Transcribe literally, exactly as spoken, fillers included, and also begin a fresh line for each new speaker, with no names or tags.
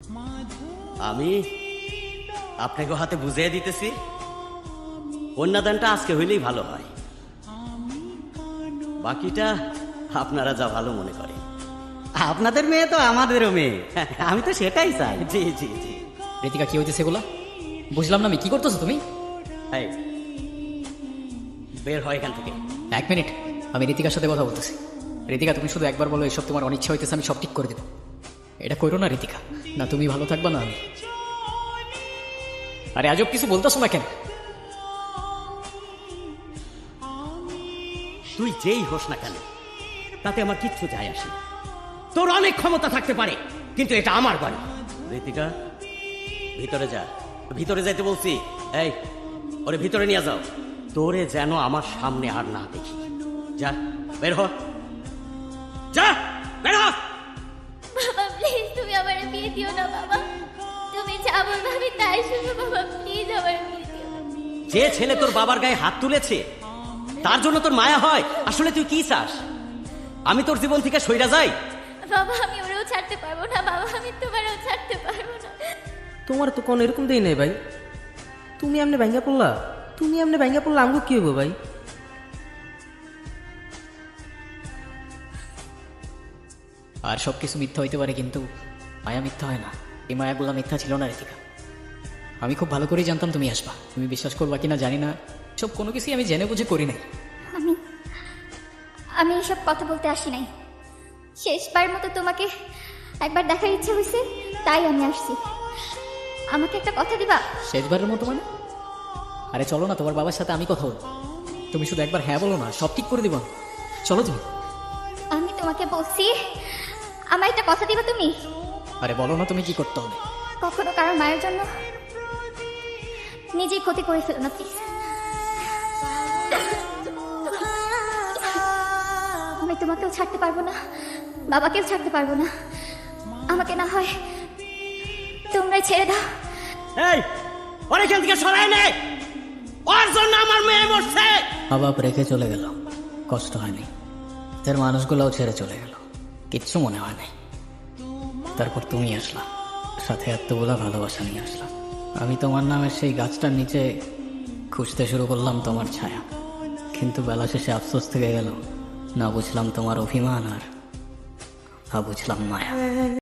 আমি আপনাকে হাতে বুঝিয়ে দিতেছি, কন্যাদানটা আজকে হইলেই ভালো হয়, বাকিটা আপনারা যা ভালো মনে করেন।
আপনাদের মেয়ে তো আমাদেরও মেয়ে, আমি তো সেটাই চাই।
জি জি জি।
ঋতিকা কি হইতেছে এগুলা? বুঝলাম না আমি, কি করতেছো তুমি?
এই, বের হয় এখান থেকে।
এক মিনিট, আমি ঋতিকার সাথে কথা বলতেছি। ঋতিকা, তুমি শুধু একবার বলো এসব তোমার অনিচ্ছা হইতেছে, আমি সব ঠিক করে দেবো। এটা করো না ঋতিকা, না তুমি ভালো থাকবা না আমি। আরে আজব কিছু বলতেছো না কেন?
তুই যেই হোস না কেন তাতে আমার কিচ্ছু যায় আসে না। তোর অনেক ক্ষমতা থাকতে পারে, কিন্তু এটা আমার বাড়ি। ঋতিকা, ভিতরে যা, ভিতরে যাইতে বলছি। এই, ওরে ভিতরে নিয়ে যাও। তোরে যেন আমার সামনে আর না দেখি। যা, বের হ, যা, বের হ।
বাবা প্লিজ তুমি আমার বিয়ে দিও না বাবা, তুমি যা বলবে আমি তাই শুনবো বাবা, প্লিজ আমার বিয়ে দিও না।
যে ছেলে তোর বাবার গায়ে হাত তুলেছে তার জন্য তোর মায়া হয়? আসলে তুই কি চাস, আমি তোর জীবন থেকে সইরা যাই?
বাবা আমি ওরেও ছাড়তে পারবো না বাবা, আমি তোমারও ছাড়তে পারবো না।
তোমার তো কোন এরকম দেই নাই ভাই, তুমি এমনি ভাঙ্গা পড়লা, তুমি এমনি ভাঙ্গা পড়লা, আমগো কি হবো ভাই?
আর সব কিছু মিথ্যা হইতে পারে, কিন্তু মায়া মিথ্যা হয় না। এই মায়াগুলা মিথ্যা ছিল না ঋতিকা। আমি খুব ভালো করেই জানতাম তুমি আসবা। তুমি বিশ্বাস করবা কিনা জানি না, সব কোনো কিছুই আমি জেনে বুঝে করি নাই।
আমি আমি এসব কথা বলতে আসি নাই, শেষবার মতো তোমাকে একবার দেখার ইচ্ছে হয়েছে তাই আমি আসছি। আমাকে একটা কথা দিবা?
শেষবারের মতো মানে? আরে চলো না, তোমার বাবার সাথে আমি কথা বলবো। তুমি শুধু একবার হ্যাঁ বলো না, সব ঠিক করে দিব। চলো তুমি।
আমি তোমাকে বলছি আমার একটা কথা দিবা তুমি?
আরে বলো না তুমি কি করতে হবে।
কখনো কারোর মায়ের জন্য নিজেই ক্ষতি করে ফেলো না প্লিজ। আমি তোমাকেও ছাড়তে পারবো না, বাবাকেও ছাড়তে পারবো না। আমাকে না হয় তোমরাই ছেড়ে দাও।
এই, ওর এখান থেকে সরাই নে, ওর জন্য আমার মেয়ে মরছে।
মা বাপ রেখে চলে গেল, কষ্ট হয়নি। এর মানুষগুলোও ছেড়ে চলে গেল, কিচ্ছু মনে হয় নাই। তারপর তুমি আসলা, সাথে এতগুলা ভালোবাসা নিয়ে আসলা। আমি তোমার নামের সেই গাছটার নিচে খুঁজতে শুরু করলাম তোমার ছায়া, কিন্তু বেলা শেষে আফসোস থেকে গেল। না বুঝলাম তোমার অভিমান, আর না বুঝলাম মায়া।